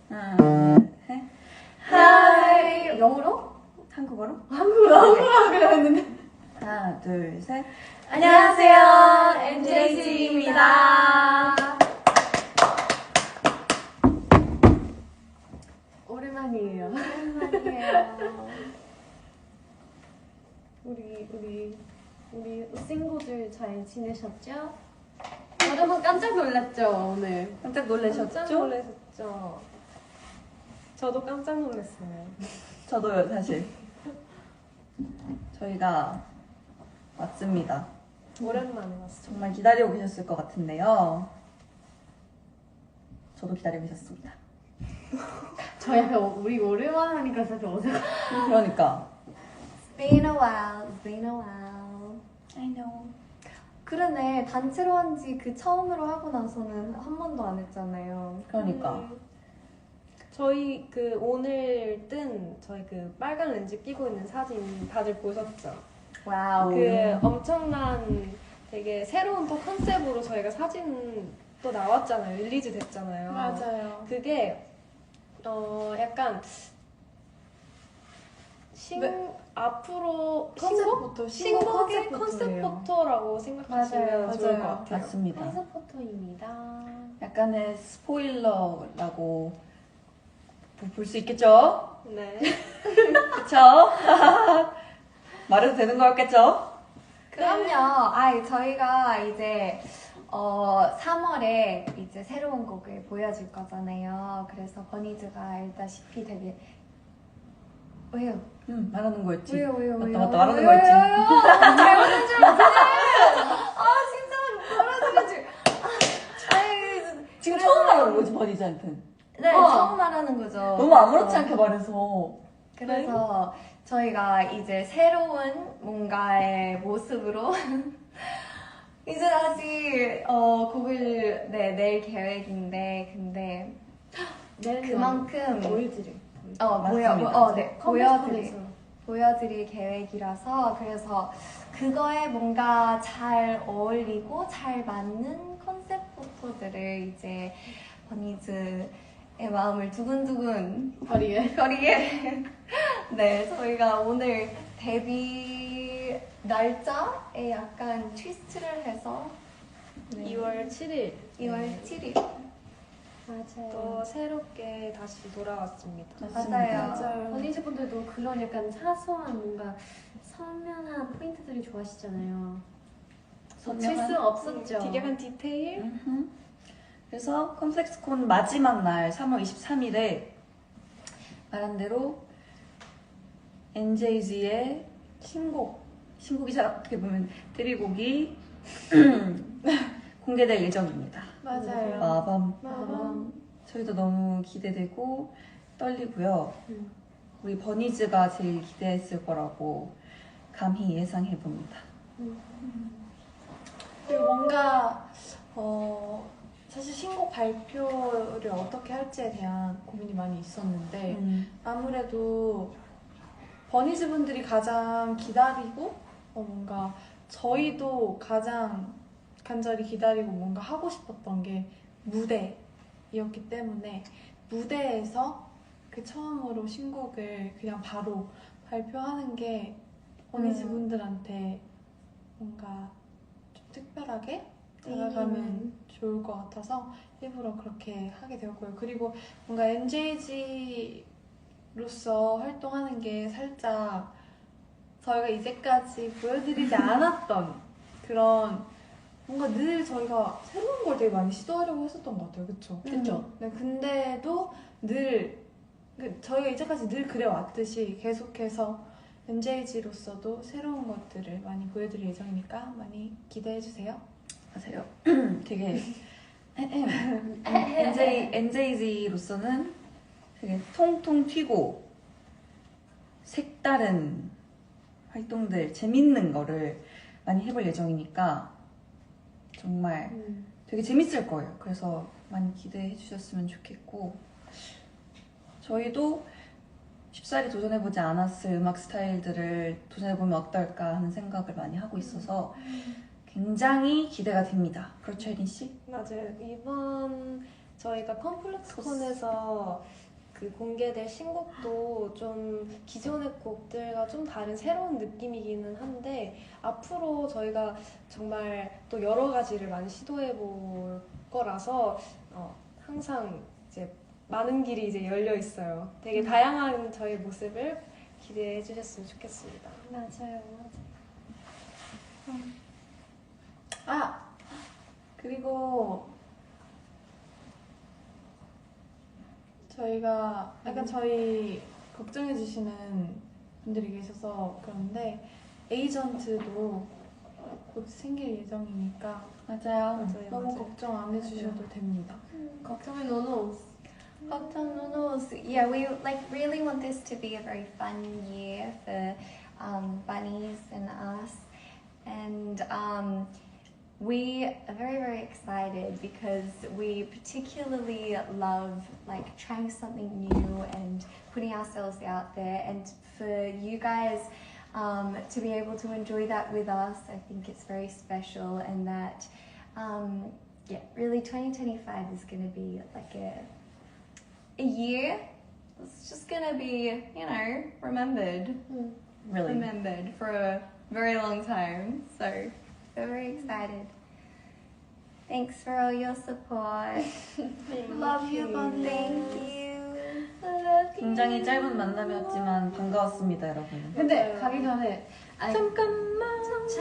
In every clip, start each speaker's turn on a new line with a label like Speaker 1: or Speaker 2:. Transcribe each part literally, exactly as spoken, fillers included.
Speaker 1: 하나, 둘, 셋.
Speaker 2: 하이. 영어로?
Speaker 1: 한국어로?
Speaker 2: 한국어로 한국어로 하기로 했는데.
Speaker 1: 하나, 둘, 셋.
Speaker 2: 안녕하세요, 엔제이씨입니다. 오랜만이에요. 오랜만이에요. 우리 우리 우리 친구들 잘 지내셨죠? 여러분 깜짝 놀랐죠 오늘?
Speaker 1: 깜짝 놀라셨죠?
Speaker 2: 깜짝 놀라셨죠? 저도 깜짝 놀랐어요.
Speaker 1: 저도요, 사실. 저희가 왔습니다.
Speaker 2: 오랜만에 왔어요.
Speaker 1: 정말 기다리고 계셨을 것 같은데요. 저도 기다리고 계셨습니다.
Speaker 2: 저 약간 우리 오랜만에 하니까 살짝 어색해.
Speaker 1: 그러니까.
Speaker 2: It's been a while, it's been a while.
Speaker 1: I know.
Speaker 2: 그러네, 단체로 한 지 그 처음으로 하고 나서는 한 번도 안 했잖아요.
Speaker 1: 그러니까.
Speaker 3: 음, 저희 그 오늘 뜬 저희 그 빨간 렌즈 끼고 있는 사진 다들 보셨죠?
Speaker 2: 와우.
Speaker 3: 그 엄청난 되게 새로운 또 컨셉으로 저희가 사진 또 나왔잖아요. 릴리즈 됐잖아요.
Speaker 2: 맞아요.
Speaker 3: 그게 어 약간 신
Speaker 2: 네.
Speaker 3: 앞으로
Speaker 2: 컨셉부터, 신곡
Speaker 3: 신곡의
Speaker 2: 컨셉부터예요.
Speaker 3: 컨셉 포토라고 생각하시면
Speaker 2: 맞아요,
Speaker 3: 좋을
Speaker 2: 맞아요.
Speaker 3: 것 같아요.
Speaker 1: 맞습니다.
Speaker 3: 컨셉 포토입니다.
Speaker 1: 약간의 스포일러라고 볼 수 있겠죠?
Speaker 3: 네.
Speaker 1: 그쵸? 말해도 되는 거였겠죠?
Speaker 2: 그럼요. 아, 저희가 이제 어, 삼월에 이제 새로운 곡을 보여줄 거잖아요. 그래서 버니즈가 알다시피 되게 왜요?
Speaker 1: 응, 말하는 거였지.
Speaker 2: 왜요? 왜요?
Speaker 1: 맞다,
Speaker 2: 왜요?
Speaker 1: 맞다, 말하는
Speaker 2: 왜요?
Speaker 1: 거였지.
Speaker 2: 왜요? 잘못한 줄 알았네. 아, 진짜 말하는 줄. 아, 아이,
Speaker 1: 지금
Speaker 2: 그래서-
Speaker 1: 처음 말하는 거지, 버니즈한테는.
Speaker 2: 네,
Speaker 1: 어.
Speaker 2: 처음 말하는 거죠.
Speaker 1: 너무 아무렇지 않게 말해서.
Speaker 2: 그래서 저희가 이제 새로운 뭔가의 모습으로 이제 다시 어, 곡을 네, 낼 계획인데 근데 그만큼
Speaker 3: 보여드릴.
Speaker 2: 어, 보여,
Speaker 1: 맞습니다.
Speaker 2: 어, 네, 보여드릴,
Speaker 3: 컴퓨터에서.
Speaker 2: 보여드릴 계획이라서 그래서 그거에 뭔가 잘 어울리고 잘 맞는 컨셉 포토들을 이제 버니즈의 마음을 두근두근
Speaker 3: 거리에.
Speaker 2: 거리에 네 저희가 오늘 데뷔 날짜에 약간 트위스트를 해서 네,
Speaker 3: 이월 칠일.
Speaker 2: 이월
Speaker 3: 네.
Speaker 2: 칠일 맞아요.
Speaker 3: 또 새롭게 다시 돌아왔습니다.
Speaker 2: 맞아요.
Speaker 1: 맞습니다.
Speaker 4: 버니즈 분들도 그런 약간 사소한 뭔가 선명한 포인트들이 좋아하시잖아요. 놓칠
Speaker 1: 선명한?
Speaker 4: 수 없었죠.
Speaker 3: 되게 약간 디테일?
Speaker 1: 음흠. 그래서 컴플렉스콘 마지막 날 삼월 이십삼일에 말한 대로 엔제이지의 신곡, 신곡이자 어떻게 보면 데뷔곡이 공개될 예정입니다.
Speaker 2: 맞아요.
Speaker 1: 마밤.
Speaker 2: 마밤.
Speaker 1: 저희도 너무 기대되고 떨리고요.
Speaker 4: 음.
Speaker 1: 우리 버니즈가 제일 기대했을 거라고 감히 예상해 봅니다.
Speaker 5: 그리고 뭔가 어 사실 신곡 발표를 어떻게 할지에 대한 고민이 많이 있었는데
Speaker 1: 음.
Speaker 5: 아무래도 버니즈 분들이 가장 기다리고 어 뭔가 저희도 가장 간절히 기다리고 뭔가 하고 싶었던 게 무대이었기 때문에 무대에서 그 처음으로 신곡을 그냥 바로 발표하는 게 버니즈
Speaker 2: 음.
Speaker 5: 분들한테 뭔가 좀 특별하게 다가가면
Speaker 2: 음.
Speaker 5: 좋을 것 같아서 일부러 그렇게 하게 되었고요. 그리고 뭔가 엔제이지로서 활동하는 게 살짝 저희가 이제까지 보여드리지 않았던 그런 뭔가 늘 저희가 새로운 걸 되게 많이 시도하려고 했었던 것 같아요. 그쵸?
Speaker 1: 그쵸.
Speaker 5: 네, 근데도 늘 그 저희가 이제까지 늘 그래왔듯이 계속해서 엔제이지로서도 새로운 것들을 많이 보여드릴 예정이니까 많이 기대해주세요.
Speaker 1: 하세요. 되게 엔제이, 엔제이지로서는 되게 통통 튀고 색다른 활동들, 재밌는 거를 많이 해볼 예정이니까 정말
Speaker 4: 음.
Speaker 1: 되게 재밌을 거예요. 그래서 많이 기대해 주셨으면 좋겠고 저희도 쉽사리 도전해보지 않았을 음악 스타일들을 도전해보면 어떨까 하는 생각을 많이 하고 있어서 굉장히 기대가 됩니다. 그렇죠, 혜린 씨?
Speaker 3: 맞아요. 이번 저희가 컴플렉스콘에서 그 공개될 신곡도 좀 기존의 곡들과 좀 다른 새로운 느낌이기는 한데 앞으로 저희가 정말 또 여러 가지를 많이 시도해 볼 거라서 어, 항상 이제 많은 길이 이제 열려 있어요. 되게 다양한 저희 모습을 기대해 주셨으면 좋겠습니다.
Speaker 4: 맞아요, 맞아요.
Speaker 5: 아 그리고 저희가 약간 저희 걱정해 주시는 분들이 계셔서 그런데 에이전트도 곧 생길 예정이니까
Speaker 1: 맞아요.
Speaker 3: 맞아요,
Speaker 5: 너무
Speaker 3: 맞아요.
Speaker 5: 걱정 안 해주셔도 됩니다.
Speaker 4: 걱정이 너무
Speaker 2: 걱정 노노스. Yeah, we like really want this to be a very fun year for um, bunnies and us, and um, we are very very excited because we particularly love like trying something new and putting ourselves out there, and for you guys um, to be able to enjoy that with us, I think it's very special, and that um, yeah, really twenty twenty-five is going to be like a a year. It's just gonna be, you know, remembered,
Speaker 1: Really.
Speaker 2: remembered for a very long time. So we're very excited. Thanks for all your support.
Speaker 5: Love you, bunny.
Speaker 2: Thank you. I love you.
Speaker 1: 굉장히 짧은 만남이었지만 반가웠습니다, 여러분.
Speaker 4: 근데 가기 전에 아니,
Speaker 1: 잠깐만.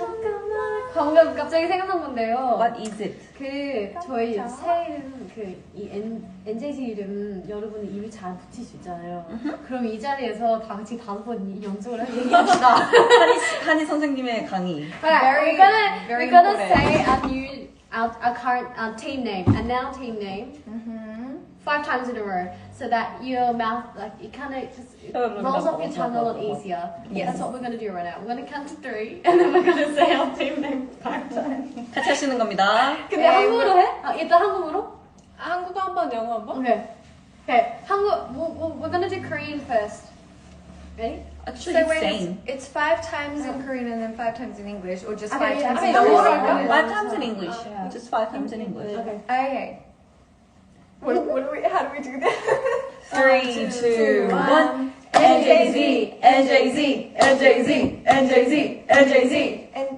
Speaker 4: 잠깐만 방금 갑자기 생각난 건데요.
Speaker 1: What is it?
Speaker 4: 그 저희 새 이름 그이 엔제이지 이름 여러분이 입에 잘 붙일 수 있잖아요. 그럼 이 자리에서 다 같이 다섯 번 연속으로 얘기합시다.
Speaker 1: 한희, 씨- 한희 선생님의 강의.
Speaker 4: Alright, we're gonna
Speaker 2: very
Speaker 4: we're gonna
Speaker 2: important.
Speaker 4: say our new our, our current our team name and now team name
Speaker 2: Mm-hmm.
Speaker 4: five times in a row so that your mouth like it kind of just it rolls off your tongue a lot easier.
Speaker 2: Yes.
Speaker 4: That's what we're gonna do right now. We're gonna count to three and then we're gonna say our team name five times.
Speaker 1: 같이 하시는 겁니다.
Speaker 4: 근데
Speaker 2: 네,
Speaker 4: 한국어로 해? 아, 일단 한국어로?
Speaker 5: 한국어 한 번, 영어 한 번?
Speaker 4: Okay. Okay. 한국 we'll, we'll, we're gonna do Korean first. Ready?
Speaker 1: Actually,
Speaker 2: So wait, it's,
Speaker 1: same.
Speaker 2: it's five times in Korean and then five times in English, or just
Speaker 4: Okay,
Speaker 2: five
Speaker 4: yeah,
Speaker 2: times
Speaker 4: okay,
Speaker 2: in
Speaker 4: no,
Speaker 2: English?
Speaker 4: no, no, no.
Speaker 1: Five times in English.
Speaker 4: Yeah.
Speaker 1: Just five times in English.
Speaker 4: Okay.
Speaker 2: Okay. What, what do we? How do we do this?
Speaker 1: Three, two, one.
Speaker 2: N J Z, N J Z, N J Z, N J Z, N J Z, and.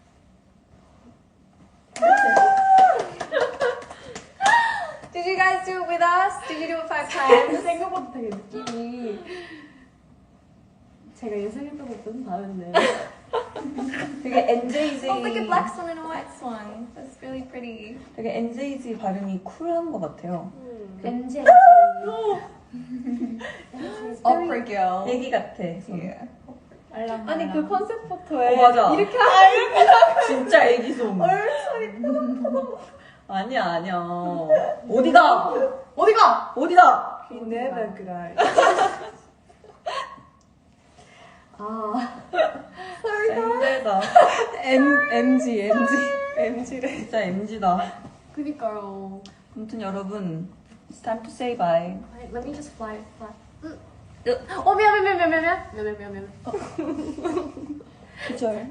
Speaker 2: Did you guys do it with us? Did you do it five times?
Speaker 4: 생각보다 되게 느낌이 제가 예상했던 것보다는 다른데.
Speaker 1: 되게 엔제이지.
Speaker 2: Oh, look at black swan and a white swan. That's really pretty.
Speaker 1: 되게 엔제이지 발음이 쿨한 것 같아요.
Speaker 4: 엔젤.
Speaker 2: Opera girl.
Speaker 1: 애기 같아.
Speaker 2: Yeah.
Speaker 3: 아니 그 컨셉 포토에
Speaker 1: 어, 맞아.
Speaker 3: 이렇게
Speaker 1: 진짜 애기 솜. 아니야, 아니야. 어디가?
Speaker 5: 어디가?
Speaker 1: 어디다?
Speaker 3: never cry.
Speaker 4: 아.
Speaker 1: 힘들다.
Speaker 3: M MG MG MG래.
Speaker 1: 진짜 엠지다.
Speaker 4: 그니까요.
Speaker 1: 아무튼 여러분, it's time to say bye.
Speaker 4: Wait, let me just fly fly. 어 미안 미안 미안 미안 미안 미안 미안 미안 미안.
Speaker 1: 그절.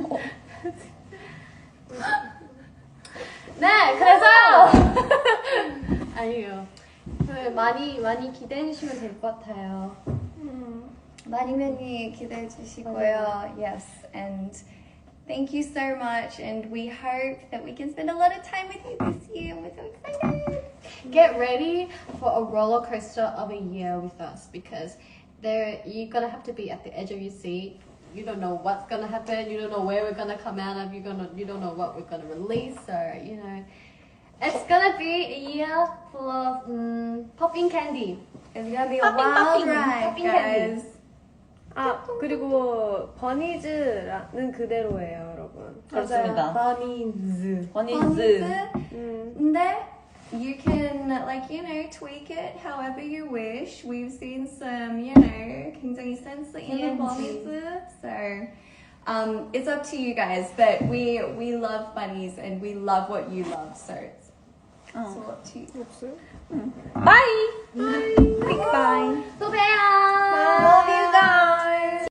Speaker 4: 네, 그래서 아니에요. 그 많이 많이 기대해 주시면 될 것 같아요.
Speaker 2: 많이 많이 기대해 주시고요. Yes, and thank you so much. And we hope that we can spend a lot of time with you this year. And we're so excited.
Speaker 4: Get ready for a roller coaster of a year with us because there you're gonna have to be at the edge of your seat. You don't know what's gonna happen. You don't know where we're gonna come out of. You gonna you don't know what we're gonna release. So you know, it's gonna be a year full of um, popping candy.
Speaker 2: It's gonna be a
Speaker 4: Popping,
Speaker 2: wild
Speaker 4: popping,
Speaker 2: ride,
Speaker 4: popping candy.
Speaker 2: guys.
Speaker 3: 아 그리고 버니즈는 그대로예요, 여러분.
Speaker 1: 그렇습니다.
Speaker 3: 버니즈.
Speaker 1: 버니즈.
Speaker 3: 음.
Speaker 2: 근데 you can like you know tweak it however you wish. We've seen some you know 굉장히 sense 있는 bunnies, so um, it's up to you guys. But we we love bunnies and we love what you love, so it's, it's all up to you.
Speaker 3: 없어요?
Speaker 1: Bye!